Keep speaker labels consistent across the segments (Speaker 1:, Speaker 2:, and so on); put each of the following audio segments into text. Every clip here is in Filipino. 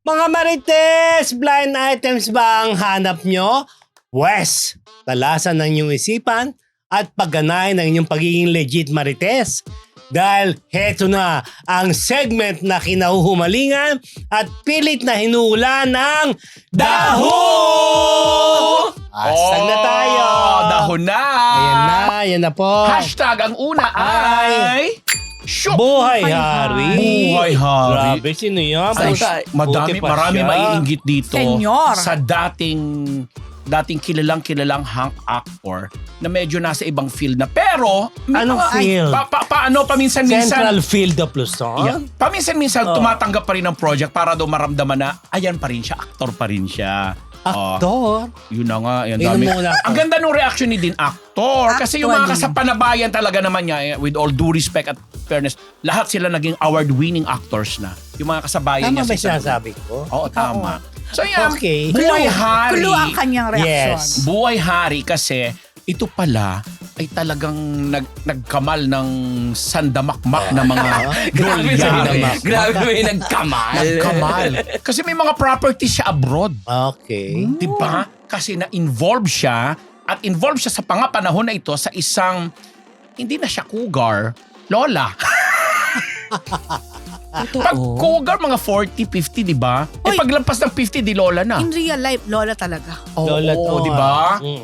Speaker 1: Mga Marites, blind items ba ang hanap nyo? Pwes, talasan ng inyong isipan at pagganahin ng inyong pagiging legit Marites. Dahil heto na ang segment na kinahuhumalingan at pilit na hinuhula ng Daho! Hashtag na tayo!
Speaker 2: Dahon na!
Speaker 1: Ayan na po.
Speaker 2: Hashtag ang una ay... Shoot!
Speaker 1: Buhay Hari.
Speaker 2: Buhay Hari.
Speaker 1: Grabe, sino yan?
Speaker 2: Marami maiinggit dito
Speaker 3: Senyor.
Speaker 2: sa dating kilalang hunk actor na medyo nasa ibang field na. Pero, may
Speaker 1: Anong
Speaker 2: mga-
Speaker 1: field?
Speaker 2: Paminsan-minsan,
Speaker 1: Central Field of Luzon?
Speaker 2: yeah, paminsan-minsan tumatanggap pa rin ng project para daw maramdaman na, ayan pa rin siya, actor pa rin siya.
Speaker 1: Aktor?
Speaker 2: Yun na nga, yan
Speaker 1: Yun
Speaker 2: dami.
Speaker 1: ang muna.
Speaker 2: Ang ganda ng reaction ni Din actor. Kasi yung mga
Speaker 3: Actually.
Speaker 2: kasapanabayan talaga naman niya, with all due respect at fairness, lahat sila naging award-winning actors na. Yung mga kasabayan
Speaker 1: Tama
Speaker 2: niya.
Speaker 1: ba
Speaker 2: sa-
Speaker 1: sinasabi ko?
Speaker 2: Oo, tama. So yan,
Speaker 1: Okay.
Speaker 2: Buhay Hari.
Speaker 3: Clue ang kanyang reaksyon.
Speaker 1: Yes.
Speaker 2: Buhay Hari kasi ito pala ay talagang nagkamal ng sandamakmak na mga dolyari.
Speaker 4: Grabe may nagkamal.
Speaker 2: Nagkamal. Kasi may mga properties siya abroad.
Speaker 1: Okay.
Speaker 2: Diba? Kasi na-involve siya at involved siya sa panahon na ito sa isang hindi na siya cougar, lola. Pag cougar, mga 40, 50, di ba? Eh
Speaker 3: Uy.
Speaker 2: paglampas ng 50, di lola na.
Speaker 3: In real life, lola talaga.
Speaker 1: Lola to,
Speaker 2: Oo, di ba?
Speaker 1: Mm.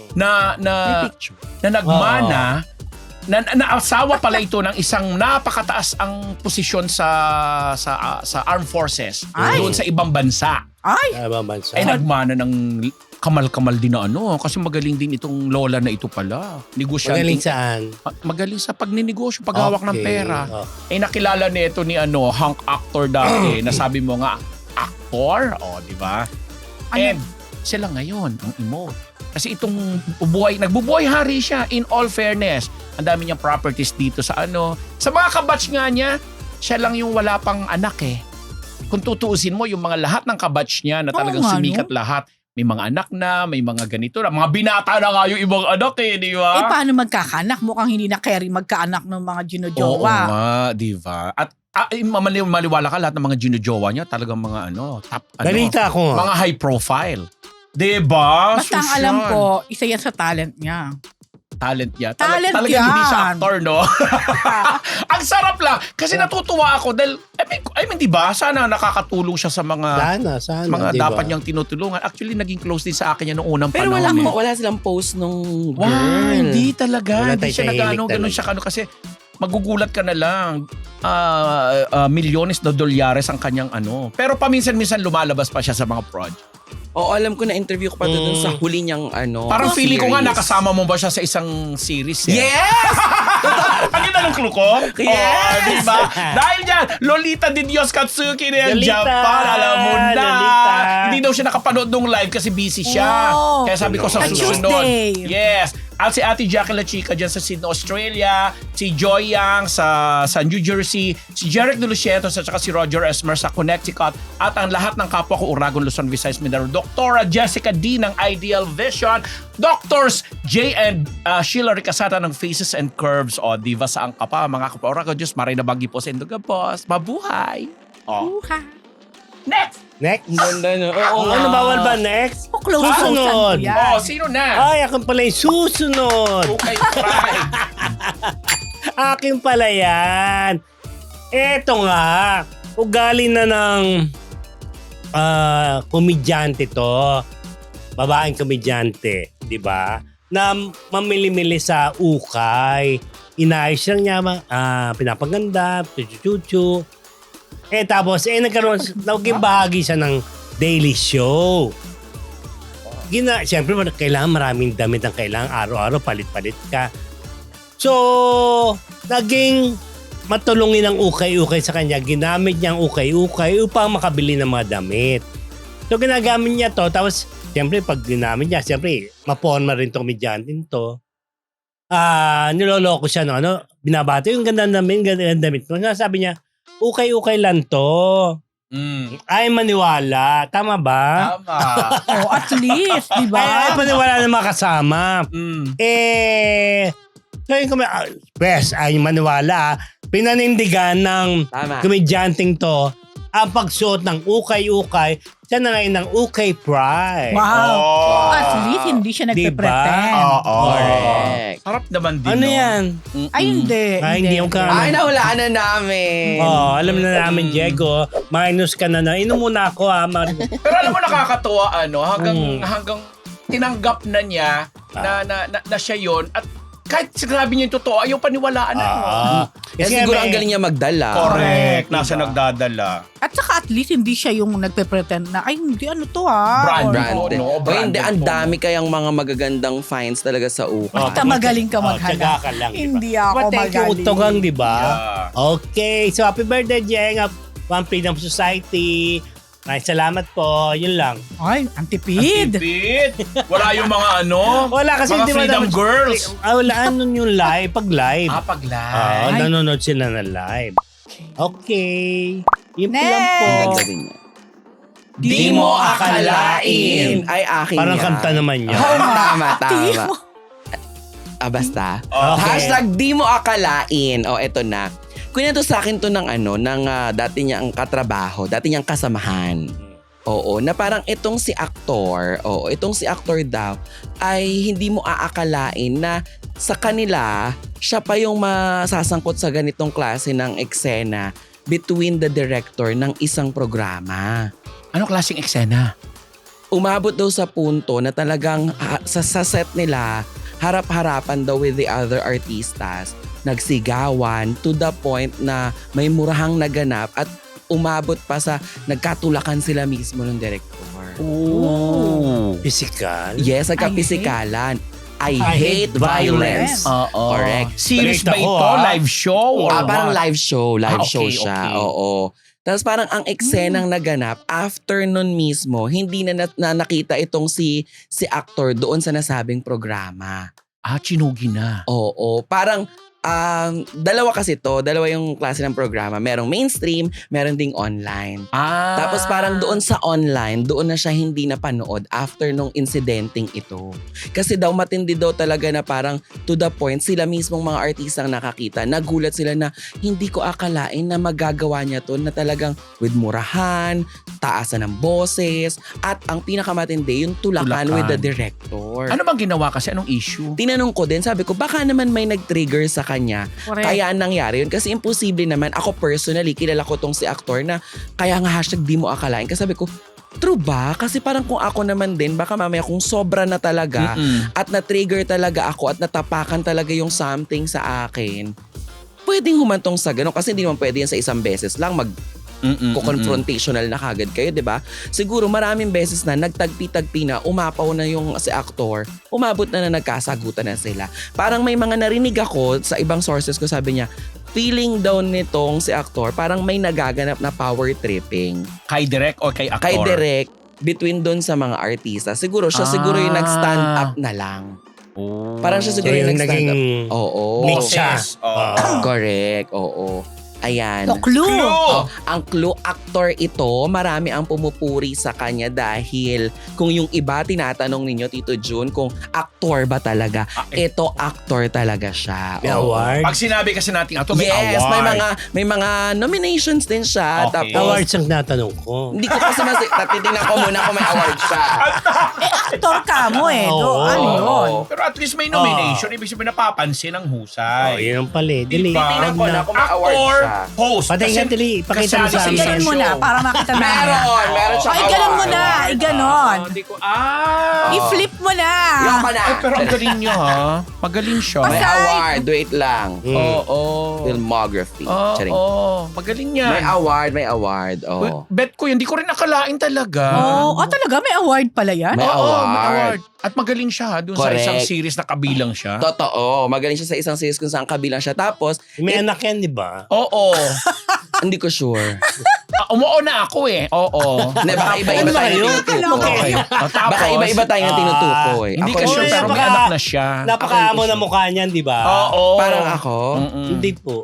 Speaker 2: Na nagmana, na asawa pala ito ng isang napakataas ang posisyon sa armed forces
Speaker 3: Ay.
Speaker 2: doon sa ibang bansa.
Speaker 3: Ay!
Speaker 1: Ibang bansa.
Speaker 2: Ay nagmana ng kamal-kamal din na kasi magaling din itong lola na ito pala. Negosyante.
Speaker 1: Magaling saan?
Speaker 2: Magaling sa pagninegosyo, paghawak ng
Speaker 1: Okay.
Speaker 2: pera.
Speaker 1: Oh.
Speaker 2: Nakilala nito ni hunk actor dati na sabi mo nga, actor? O, di ba? And sila ngayon, ang emote. Kasi itong nagbubuhay hari siya in all fairness. Ang dami niyang properties dito sa Sa mga kabatch nga niya, siya lang yung wala pang anak eh. Kung tutuusin mo, yung mga lahat ng kabatch niya na talagang
Speaker 3: Oo nga,
Speaker 2: sumikat lahat, may mga anak na, may mga ganito na. Mga binata na nga yung ibang anak eh, di ba?
Speaker 3: Eh, paano magkakaanak? Mukhang hindi na carry magkaanak ng mga
Speaker 2: Oo
Speaker 3: ginojowa.
Speaker 2: nga, di ba? At maliwala ka lahat ng mga ginojowa niya, talagang mga top,
Speaker 1: Balita ko.
Speaker 2: mga high profile. Di ba?
Speaker 3: Basta ang
Speaker 2: Sus
Speaker 3: alam
Speaker 2: yan.
Speaker 3: ko, isa yan sa talent niya.
Speaker 2: Talent niya.
Speaker 3: Talent
Speaker 2: Talagang
Speaker 3: yan.
Speaker 2: hindi siya actor, no? Ang sarap lang. Kasi natutuwa ako dahil, di ba? Sana nakakatulong siya sa mga
Speaker 1: Sana,
Speaker 2: mga
Speaker 1: di ba?
Speaker 2: dapat niyang tinutulungan. Actually, naging close din sa akin yan noong unang
Speaker 4: Pero
Speaker 2: panahon.
Speaker 4: wala silang post nung girl.
Speaker 2: Wow, hindi talaga.
Speaker 1: Wala
Speaker 2: Hindi
Speaker 1: tayo
Speaker 2: siya
Speaker 1: tahimik
Speaker 2: ganun
Speaker 1: talaga.
Speaker 2: siya kasi magugulat ka na lang. Milyones na dolyares ang kanyang Pero paminsan-minsan lumalabas pa siya sa mga project.
Speaker 4: Oo, alam ko na interview ko pa doon sa huli niyang
Speaker 2: Parang feeling ko nga
Speaker 4: series.
Speaker 2: nakasama mo ba siya sa isang series?
Speaker 4: Yes!
Speaker 2: Ang ganda ng clue ko?
Speaker 4: Yes!
Speaker 2: Oh, diba? Dahil dyan, Lolita de Dios Katsuki na yan,
Speaker 1: Lolita!
Speaker 2: Japan. Alam mo na.
Speaker 1: Lolita!
Speaker 2: Hindi daw siya nakapanood nung live kasi busy siya.
Speaker 3: Oh.
Speaker 2: Kaya sabi ko sa
Speaker 3: Sa
Speaker 2: susunod.
Speaker 3: Tuesday.
Speaker 2: Yes. At si Ate Jackie La Chica dyan sa Sydney, Australia. Si Joy Yang sa New Jersey. Si Jeric De Lucientos at saka si Roger Esmer sa Connecticut. At ang lahat ng kapwa ko Uragon, Luzon, Visayas, Mindanao. Dr. Jessica D ng Ideal Vision. Doctors J and Sheila Ricasata ng Faces and Curves. O, diva saan ka pa? Mga kapwa Uragon, Diyos, maray na bagi po sa Induga Boss. Mabuhay! O,
Speaker 3: Uha.
Speaker 2: next!
Speaker 1: Next?
Speaker 4: Ganda no. Oo nga.
Speaker 1: Ano bawal ba next?
Speaker 3: O, close
Speaker 1: Susunod.
Speaker 3: yan.
Speaker 2: O, sino na?
Speaker 1: Ay, akin pala yung susunod.
Speaker 2: Okay, try.
Speaker 1: Akin pala yan. Eto nga, ugali na ng komedyante to. Babaeng komedyante, di ba? Na mamili-mili sa ukay. Inayos lang niya, pinapaganda, chuchu-chuchu. Tapos, naging bahagi siya ng Daily Show. Siyempre, kailangan maraming damit ang kailangan. Araw-araw, palit-palit ka. So, naging matulungin ang ukay-ukay sa kanya. Ginamit niya ang ukay-ukay upang makabili ng mga damit. So, ginagamit niya to. Tapos, siyempre, pag ginamit niya, siyempre, maporma rin itong medyantin to. Niloloko siya, binabati yung ganda ng damit mo. Sabi niya, ukay-ukay lang to. Ay maniwala. Tama ba?
Speaker 2: Tama.
Speaker 3: Oh, at least, di ba?
Speaker 1: Ay maniwala ng mga kasama. Sabi ko, ay maniwala. Pinanindigan ng
Speaker 4: Tama.
Speaker 1: komedyanting to ang pagsuot ng ukay-ukay, siya na ngayon ng ukay pride.
Speaker 3: Wow.
Speaker 2: Oh.
Speaker 3: At least hindi siya
Speaker 1: Diba?
Speaker 3: nagpe-pretend.
Speaker 2: Oo.
Speaker 4: Correct.
Speaker 2: Sarap naman din,
Speaker 1: Ano
Speaker 2: no?
Speaker 1: yan?
Speaker 3: Ay, hindi.
Speaker 1: Hindi yung
Speaker 4: Ay, nahulaan na namin.
Speaker 1: alam na namin, Diego. Minus ka na. Inom muna ako, ha.
Speaker 2: Pero alam mo, nakakatuwa, hanggang tinanggap na niya na siya yun. At kahit sinabi niya yung totoo, ayaw paniwalaan na.
Speaker 4: Kasi siguro ang galing niya magdala.
Speaker 2: Correct. Nasa nagdadala.
Speaker 3: At saka at least hindi siya yung nagpe-pretend na, ay, hindi ano to ha.
Speaker 4: Branded.
Speaker 2: no,
Speaker 4: O hindi, ang
Speaker 2: branded
Speaker 4: dami kayang mga magagandang finds talaga sa ukay.
Speaker 3: Basta magaling ka
Speaker 1: Tiyaga
Speaker 3: maghanap.
Speaker 1: ka lang, diba?
Speaker 3: Hindi ako
Speaker 1: Thank you,
Speaker 3: magaling.
Speaker 1: Utogang, di ba?
Speaker 2: Yeah.
Speaker 1: Okay. So, happy birthday, Jeng. One Freedom Society. Maraming salamat po. Yun lang.
Speaker 3: Ay, antipid.
Speaker 2: Tipid. Wala yung mga
Speaker 1: Wala kasi
Speaker 2: mga
Speaker 1: di ba
Speaker 2: freedom
Speaker 1: dapat-
Speaker 2: girls.
Speaker 1: Wala, ano yung live? Pag live.
Speaker 2: Pag live.
Speaker 3: Ay.
Speaker 1: Nanonood sila na live. Okay. Yun po lang po.
Speaker 4: Ang ganda din niya.
Speaker 2: Di mo akalain.
Speaker 4: Ay, akin
Speaker 1: Parang
Speaker 4: yan.
Speaker 1: kanta naman niya.
Speaker 4: Tama.
Speaker 3: Di mo.
Speaker 4: Basta.
Speaker 1: Okay.
Speaker 4: Hashtag di mo akalain. O, eto na. Kunento sa akin to ng dati niyang katrabaho, dati niyang kasamahan. Oo, na parang itong si aktor daw ay hindi mo aakalain na sa kanila, siya pa yung masasangkot sa ganitong klase ng eksena between the director ng isang programa.
Speaker 2: Anong klaseng eksena?
Speaker 4: Umabot daw sa punto na talagang sa set nila, harap-harapan daw with the other artistas, nagsigawan to the point na may murahang naganap at umabot pa sa nagkatulakan sila mismo ng director.
Speaker 2: Oh.
Speaker 1: Physical.
Speaker 4: Yes, nagkapisikalan. I hate violence.
Speaker 2: Oo.
Speaker 4: Correct.
Speaker 2: Series ba
Speaker 1: Balita ko,
Speaker 2: ito?
Speaker 1: Live
Speaker 2: show? Or
Speaker 4: Parang
Speaker 2: what?
Speaker 4: live show. Live show
Speaker 2: okay,
Speaker 4: siya.
Speaker 2: okay.
Speaker 4: Oo. Tapos parang ang eksenang naganap, after nun mismo, hindi na nakita itong si actor doon sa nasabing programa.
Speaker 2: Chinugi na.
Speaker 4: Oo. Parang dalawa yung klase ng programa. Merong mainstream, meron ding online. Tapos parang doon sa online, doon na siya hindi napanood after nung incidenting ito. Kasi daw matindi daw talaga na parang to the point, sila mismong mga artistang nakakita, nagulat sila na hindi ko akalain na magagawa niya to na talagang with murahan, taasan ng boses, at ang pinakamatindi, yung tulakan with the director.
Speaker 2: Ano bang ginawa kasi? Anong issue?
Speaker 4: Tinanong ko din, sabi ko, baka naman may nag-trigger sa kanya.
Speaker 3: Correct.
Speaker 4: Kaya nangyari yun. Kasi imposible naman, ako personally, kilala ko tong si aktor na kaya nga hashtag di mo akalain. Kasi sabi ko, true ba? Kasi parang kung ako naman din, baka mamaya kung sobra na talaga at na-trigger talaga ako at natapakan talaga yung something sa akin, pwedeng humantong sa ganun. Kasi hindi naman pwede yan sa isang beses lang confrontational na kagad kayo, 'di ba? Siguro maraming beses na nagtagpi-tagpi na, umapaw na yung si actor, umabot na nagkasagutan na sila. Parang may mga narinig ako sa ibang sources ko, sabi niya, feeling daw nitong si actor, parang may nagaganap na power tripping.
Speaker 2: Kay direct o kay actor?
Speaker 4: Kay direct, between doon sa mga artista. Siguro siya yung nag-stand up na lang.
Speaker 2: Oh.
Speaker 4: Parang siya siguro yung nag-stand up. Oo.
Speaker 1: Mix siya.
Speaker 4: Correct, oo. Ayan.
Speaker 3: No clue.
Speaker 4: Ang clue, actor ito, marami ang pumupuri sa kanya dahil kung yung iba tinatanong ninyo, Tito Jun, kung actor ba talaga, ito actor talaga siya.
Speaker 1: May award.
Speaker 2: Pag sinabi kasi natin ito, may
Speaker 4: Yes,
Speaker 2: award.
Speaker 4: may mga nominations din siya.
Speaker 2: Okay.
Speaker 4: Tapos,
Speaker 1: Awards ang natanong ko.
Speaker 4: hindi ko kasi titignan ko muna kung may award siya.
Speaker 3: Actor ka mo eh.
Speaker 1: Oo.
Speaker 3: Ano yun?
Speaker 2: Pero at least may nomination. Ibig sabihin napapansin ng husay.
Speaker 1: Yun ang pala. Dili.
Speaker 2: Diba?
Speaker 4: Titignan ko na kung may award
Speaker 2: Actor,
Speaker 4: siya.
Speaker 2: host.
Speaker 1: Patingin, Dili. Ipakita mo sa
Speaker 3: Kasi
Speaker 1: amin.
Speaker 3: ganun mo na para makita na.
Speaker 4: Meron siya.
Speaker 3: Ay, ganun mo na. Iganon.
Speaker 2: Hindi ko,
Speaker 3: I-flip mo na.
Speaker 4: Yung ka na.
Speaker 2: Ay, pero ang galing niya ha. Magaling siya.
Speaker 4: May
Speaker 3: Basta-
Speaker 4: award. Wait lang.
Speaker 2: Oo.
Speaker 4: Filmography. Charing.
Speaker 2: Oo. Magaling niya.
Speaker 4: May award. Oh.
Speaker 2: Bet ko yun. Hindi ko rin nakalain talaga.
Speaker 3: Talaga? May award pala yan?
Speaker 4: May
Speaker 2: Oo,
Speaker 4: award.
Speaker 2: may award. At magaling siya ha. Doon sa
Speaker 4: Correct.
Speaker 2: isang series na kabilang siya.
Speaker 4: Totoo. Magaling siya sa isang series kung saan kabilang siya. Tapos,
Speaker 1: May anak yan, di ba?
Speaker 2: Oo.
Speaker 4: hindi ko sure.
Speaker 2: Umuo na ako eh. Oo.
Speaker 4: Hindi, baka iba-iba
Speaker 1: Ano
Speaker 4: tayo
Speaker 1: kayo?
Speaker 4: ng tinutukoy.
Speaker 2: Okay. Tapos,
Speaker 4: Baka iba-iba tayo ng tinutukoy.
Speaker 2: Hindi
Speaker 4: Ako
Speaker 2: ka sure
Speaker 4: hindi
Speaker 2: pero may
Speaker 1: napaka-
Speaker 2: anak na siya.
Speaker 1: Napakaamo na mukha niyan, di ba?
Speaker 2: Oo.
Speaker 4: Parang ako.
Speaker 1: Hindi po.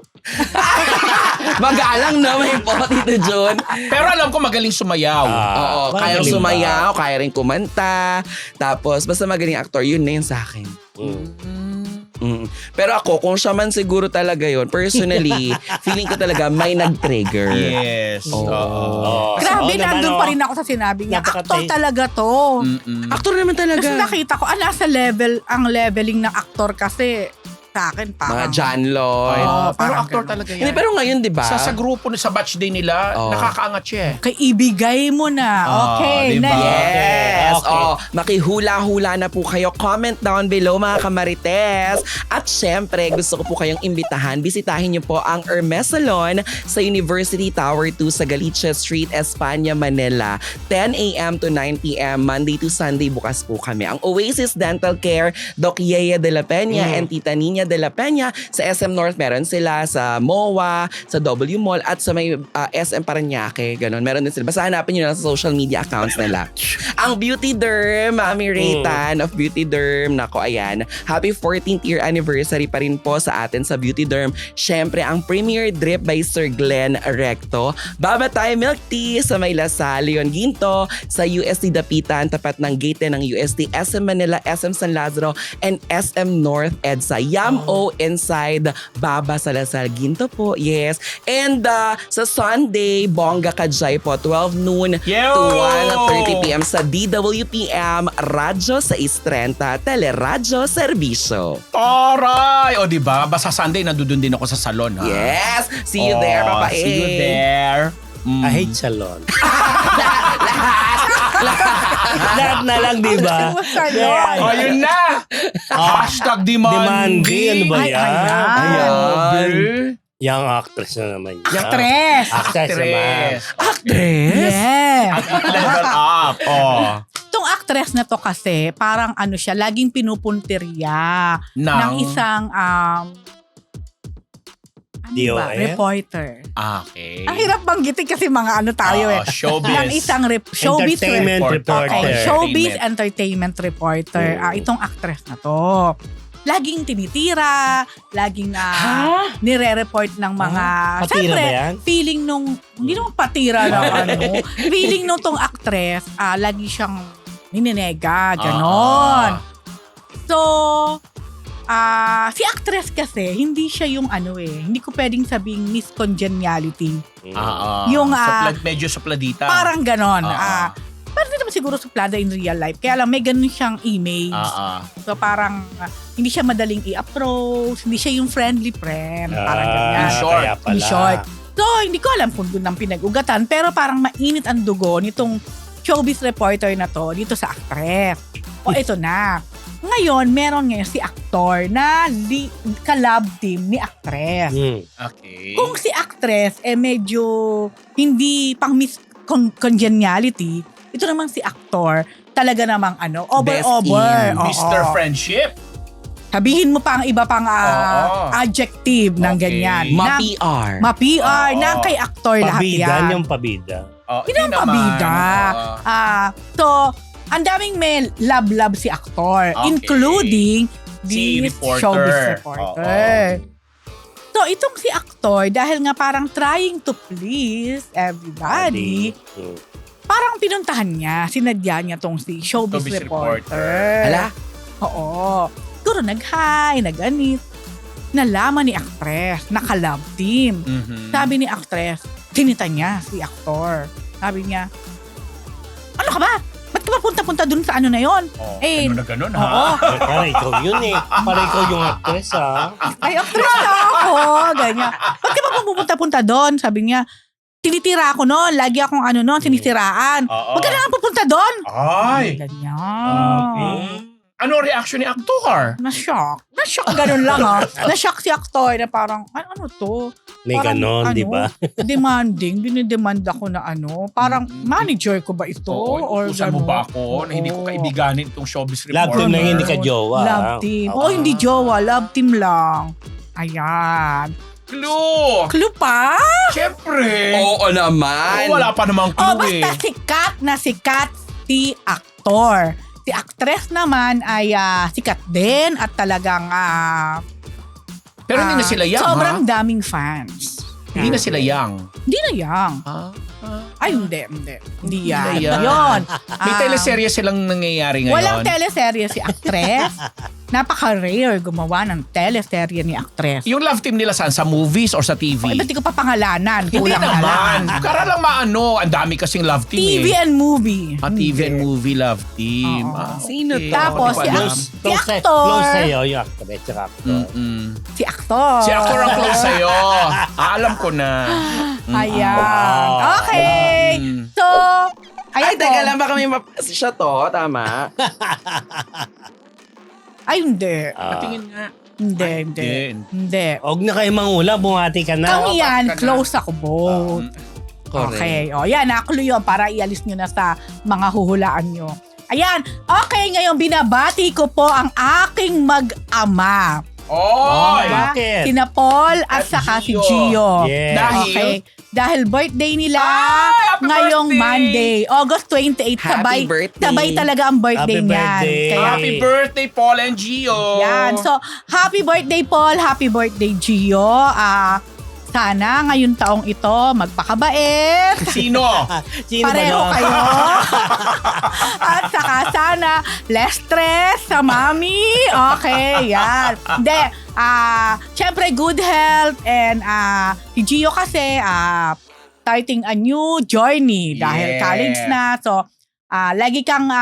Speaker 4: Magalang na may po, Tito John.
Speaker 2: Pero alam ko magaling sumayaw.
Speaker 4: Oo, kaya
Speaker 1: magaling ba?
Speaker 4: sumayaw, kaya rin kumanta. Tapos, basta magaling actor, yun na yun sa akin. Pero ako, kung siya man siguro talaga yon, personally, feeling ko talaga may nag-trigger.
Speaker 2: Yes.
Speaker 4: Oo.
Speaker 2: Oo.
Speaker 3: Grabe,
Speaker 1: Oo naman,
Speaker 3: nandun
Speaker 1: oh.
Speaker 3: pa rin ako sa sinabi niya.
Speaker 1: Napakatay-
Speaker 3: Aktor talaga to.
Speaker 4: Aktor naman talaga.
Speaker 3: Kasi nakita ko, nasa level, ang leveling ng aktor kasi sa akin
Speaker 4: Mga
Speaker 3: parang.
Speaker 4: John Lloyd.
Speaker 3: Oo,
Speaker 2: Pero
Speaker 3: parang
Speaker 2: actor
Speaker 3: ganun.
Speaker 2: talaga yan.
Speaker 4: Hindi, pero ngayon, di ba?
Speaker 2: sa grupo, sa batch day nila,
Speaker 4: Oo.
Speaker 2: nakakaangat siya eh.
Speaker 3: Kay ibigay mo na. Okay,
Speaker 2: diba?
Speaker 3: next.
Speaker 4: Yes.
Speaker 1: Okay.
Speaker 4: Oh, makihula-hula na po kayo. Comment down below mga kamarites. At syempre, gusto ko po kayong imbitahan. Bisitahin niyo po ang Hermes Salon sa University Tower 2 sa Galicia Street, Espanya, Manila. 10 a.m. to 9 p.m. Monday to Sunday bukas po kami. Ang Oasis Dental Care, Doc Yeye de la Peña and Tita Nina de la Peña. Sa SM North meron sila, sa MOA, sa W Mall at sa may SM Parañaque. Ganon. Meron din sila. Basta hanapin nyo lang sa social media accounts nila. Ang Beauty Derm, Mami Raytan of Beauty Derm. Nako, ayan. Happy 14th year anniversary pa rin po sa atin sa Beauty Derm. Syempre, ang Premier Drip by Sir Glenn Recto. Babatay Milk Tea sa may Lasal, Leon Ginto, sa UST Dapitan, tapat ng gate ng UST, SM Manila, SM San Lazaro, and SM North EDSA. Yam-O inside Baba sa Lasal Ginto po. Yes. And sa Sunday, Bongga Kajay po, 12 noon
Speaker 2: Yo!
Speaker 4: to 1:30 p.m. sa DWPM Radyo sa Istrenta Teleradyo Serbisyo.
Speaker 2: Aray! O diba? Basta Sunday, nandun din ako sa salon. Ha?
Speaker 4: Yes! See you there, Papa A.
Speaker 2: See you there.
Speaker 1: I hate salon. Lahat na lang, di ba?
Speaker 3: Salon.
Speaker 2: Oh, yun na! Hashtag demanding.
Speaker 1: Demanding, ano ba
Speaker 3: Ay,
Speaker 1: yan?
Speaker 4: Ayan.
Speaker 1: Yung actress na naman yan.
Speaker 3: Actress.
Speaker 1: Actress naman.
Speaker 4: Actress?
Speaker 3: Yes.
Speaker 2: Level up. Oh.
Speaker 3: Itong actress na to kasi, parang ano siya, laging pinupuntirya ng isang
Speaker 1: DOF?
Speaker 3: reporter.
Speaker 2: Okay.
Speaker 3: Ang hirap banggitin kasi mga ano tayo
Speaker 2: Showbiz.
Speaker 3: ng isang showbiz
Speaker 1: Entertainment reporter.
Speaker 3: Okay, showbiz entertainment reporter. Itong actress na to. Laging tinitira, laging nire-report ng mga...
Speaker 1: Patira
Speaker 3: Siyempre,
Speaker 1: ba yan?
Speaker 3: feeling nung... Hindi naman patira ng ano. Feeling nung tong actress, lagi siyang nininega, ganon. So, si actress kasi, hindi siya yung hindi ko pwedeng sabing Miss Congeniality. Yung,
Speaker 2: medyo supladita.
Speaker 3: Parang ganon. Pero hindi naman siguro suplada in real life. Kaya lang may ganun siyang image. So parang hindi siya madaling i-approach, hindi siya yung friendly friend. Parang ganyan.
Speaker 1: Kaya pala.
Speaker 3: In short. So hindi ko alam kung doon ang pinag-ugatan. Pero parang mainit ang dugo nitong showbiz reporter na to dito sa actress. O ito na. Ngayon, meron ngayon si actor na ka-love team ni actress.
Speaker 2: Okay.
Speaker 3: Kung si actress medyo hindi pang Miss Congeniality, ito naman si actor, talaga namang over.
Speaker 2: Mr. Friendship.
Speaker 3: Sabihin mo pa ang iba pang adjective ng ganyan.
Speaker 4: Ma-PR.
Speaker 3: Ma-PR na kay actor lahat
Speaker 1: Pabida,
Speaker 3: yan.
Speaker 1: yung pabida.
Speaker 3: Hindi naman pabida. So, ang daming may love si actor,
Speaker 2: Okay.
Speaker 3: including
Speaker 2: Si
Speaker 3: this
Speaker 2: reporter.
Speaker 3: showbiz reporter. So, itong si actor, dahil nga parang trying to please everybody, parang pinuntahan niya, sinadya niya tong si showbiz
Speaker 2: Showbiz
Speaker 3: reporter.
Speaker 4: Hala?
Speaker 3: Oo. Siguro nag-hi, nag-anit. Nalaman ni actress, naka-love team. Sabi ni actress, sinita niya si actor. Sabi niya, ano ka ba? Ba't ka ba punta-punta dun sa ano na yon?
Speaker 2: Ganun na ganun, ha?
Speaker 3: Oo.
Speaker 1: Para ikaw yun Para ikaw yung actress, ha?
Speaker 3: Ay, actress na ako. Ganyan. Ba't ka ba pupunta-punta doon? Sabi niya, tinitira ako noon. Lagi akong sinisiraan. Huwag ka na nga pupunta doon.
Speaker 2: Ay!
Speaker 3: Ganyan.
Speaker 2: Ano ang reaction ni actor?
Speaker 3: Na-shock. Na-shock, ganun lang Na-shock si actor na parang, ano to?
Speaker 1: May
Speaker 3: Parang,
Speaker 1: ganon, di ba?
Speaker 3: Demanding. Dinidemand ako na Parang manager ko ba ito? Or
Speaker 2: Utusan mo
Speaker 3: gano'n?
Speaker 2: ba ako na hindi ko kaibiganin itong showbiz
Speaker 1: Love
Speaker 2: reporter?
Speaker 1: team na hindi ka jowa.
Speaker 3: Love team. Hindi jowa. Love team lang. Ayan.
Speaker 2: Clue!
Speaker 3: Clue pa?
Speaker 2: Siyempre!
Speaker 4: Oo naman.
Speaker 2: Wala pa namang clue
Speaker 3: Basta sikat si actor. Si actress naman ay sikat din at talagang
Speaker 2: Pero hindi na sila young,
Speaker 3: sobrang
Speaker 2: ha?
Speaker 3: daming fans.
Speaker 2: Hindi na sila young.
Speaker 3: Hindi na young. Ay, hindi. Hindi yan.
Speaker 2: Hindi yan.
Speaker 3: Yun.
Speaker 2: May teleserye silang nangyayari ngayon.
Speaker 3: Walang teleserye si actress. napaka-rare gumawa ng teleserye ni actress.
Speaker 2: Yung love team nila saan? Sa movies or sa TV?
Speaker 3: Ba't di ko pa pangalanan?
Speaker 2: Hindi
Speaker 3: Kulang na lang.
Speaker 2: naman. Kara lang maano. Ang dami kasing love team
Speaker 3: TV
Speaker 2: eh.
Speaker 3: and movie.
Speaker 2: TV and movie love team.
Speaker 3: Oo.
Speaker 4: Sino to?
Speaker 3: Tapos,
Speaker 2: Hindi ko
Speaker 3: si
Speaker 2: alam.
Speaker 3: actor.
Speaker 1: Close sa'yo yung actress tsaka actor.
Speaker 2: Mm-mm.
Speaker 3: Si actor.
Speaker 2: Si actor ang close sa'yo. Alam ko na.
Speaker 3: Ayan.
Speaker 1: Wow.
Speaker 3: Okay.
Speaker 2: Mm.
Speaker 3: So,
Speaker 4: Ay,
Speaker 3: ayan
Speaker 4: teka
Speaker 3: po.
Speaker 4: lang, baka may siya to, tama?
Speaker 3: Ay, hindi.
Speaker 2: Patingin nga.
Speaker 3: Hindi,
Speaker 2: Ay,
Speaker 3: hindi.
Speaker 2: hindi.
Speaker 3: Hindi.
Speaker 1: Huwag na kayo mangula, bumati ka na.
Speaker 3: Kami yan,
Speaker 2: baka ka na.
Speaker 3: close ako both.
Speaker 4: Correct.
Speaker 3: Okay. O, yan. Nakulo yun para ialis nyo na sa mga huhulaan nyo. Ayan. Okay, ngayon binabati ko po ang aking mag-ama.
Speaker 2: Oh!
Speaker 3: Diba?
Speaker 1: Bakit?
Speaker 3: Sina Paul at
Speaker 2: At
Speaker 3: saka si
Speaker 2: Gio.
Speaker 3: Gio.
Speaker 1: Yes.
Speaker 2: Dahil?
Speaker 3: Okay. Dahil birthday nila
Speaker 2: Happy
Speaker 3: ngayong
Speaker 2: birthday!
Speaker 3: Monday, August 28.
Speaker 4: Happy birthday.
Speaker 3: Sabay talaga ang birthday
Speaker 1: Happy
Speaker 3: niyan.
Speaker 1: birthday.
Speaker 3: Kaya,
Speaker 2: Happy birthday, Paul and Gio.
Speaker 3: yan. So, happy birthday Paul, happy birthday Gio. Sana ngayong taong ito magpakabait.
Speaker 2: Sino?
Speaker 1: Sino ba
Speaker 3: Pareho
Speaker 1: nun?
Speaker 3: kayo. At saka sana less stress sa mami. Okay, yan. Hindi, syempre good health and si Gio kasi starting a new journey dahil
Speaker 2: Yes.
Speaker 3: college na. So, lagi kang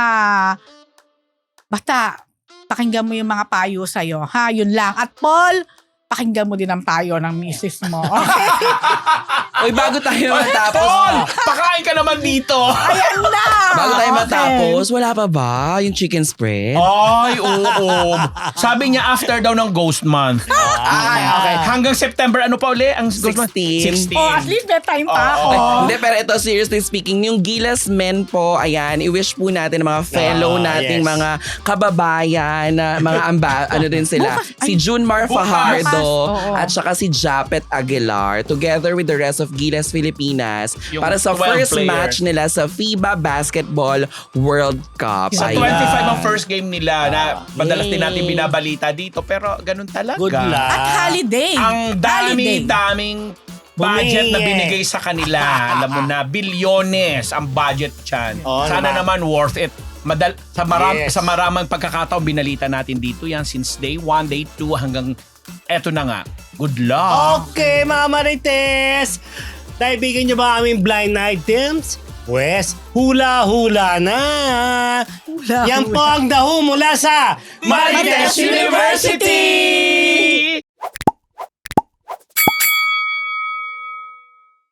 Speaker 3: basta pakinggan mo yung mga payo sa'yo. Ha, yun lang. At Paul, pakinggan mo din ang payo ng misis mo. Okay?
Speaker 4: Uy, bago tayo
Speaker 2: Paul,
Speaker 4: matapos.
Speaker 2: pakain ka naman dito.
Speaker 3: Ayan na!
Speaker 4: Bago tayo
Speaker 3: Okay.
Speaker 4: matapos, wala pa ba yung chicken spread?
Speaker 2: Ay, oo. Sabi niya after daw ng Ghost Month.
Speaker 4: Ay, okay.
Speaker 2: Hanggang September, ano pa uli? Ang Ghost Month?
Speaker 4: 16.
Speaker 3: Oh, at least may time pa ako.
Speaker 2: Oo.
Speaker 4: Hindi, pero ito, seriously speaking, yung Gilas Men po, ayan, i-wish po natin ang mga fellow nating
Speaker 1: yes.
Speaker 4: mga kababayan, na mga ano din sila.
Speaker 3: Bukas,
Speaker 4: Si Junmar
Speaker 2: Bukas.
Speaker 4: Fajardo
Speaker 3: Oo.
Speaker 4: at saka si Japet Aguilar together with the rest of Gilas Filipinas
Speaker 2: Yung
Speaker 4: para sa
Speaker 2: 12
Speaker 4: first
Speaker 2: players.
Speaker 4: match nila sa FIBA Basketball World Cup.
Speaker 2: Sa
Speaker 3: Ayan.
Speaker 2: 25 ang first game nila na madalas din natin
Speaker 1: Yay.
Speaker 2: binabalita dito pero ganun talaga.
Speaker 1: Good luck.
Speaker 3: At holiday.
Speaker 2: Ang
Speaker 3: Holiday.
Speaker 2: daming budget na
Speaker 1: Bumingi.
Speaker 2: binigay sa kanila. Alam mo na, bilyones ang budget dyan.
Speaker 1: Oo
Speaker 2: Sana naman worth it.
Speaker 1: Yes.
Speaker 2: Sa maraming pagkakataon, binalita natin dito yan since day 1, day 2 hanggang eto na nga. Good luck.
Speaker 1: Okay, mga Marites! Naibigan niyo ba aming blind items? Pwes, hula-hula na!
Speaker 3: Hula-hula.
Speaker 1: Yan po ang daho mula sa
Speaker 2: Marites University!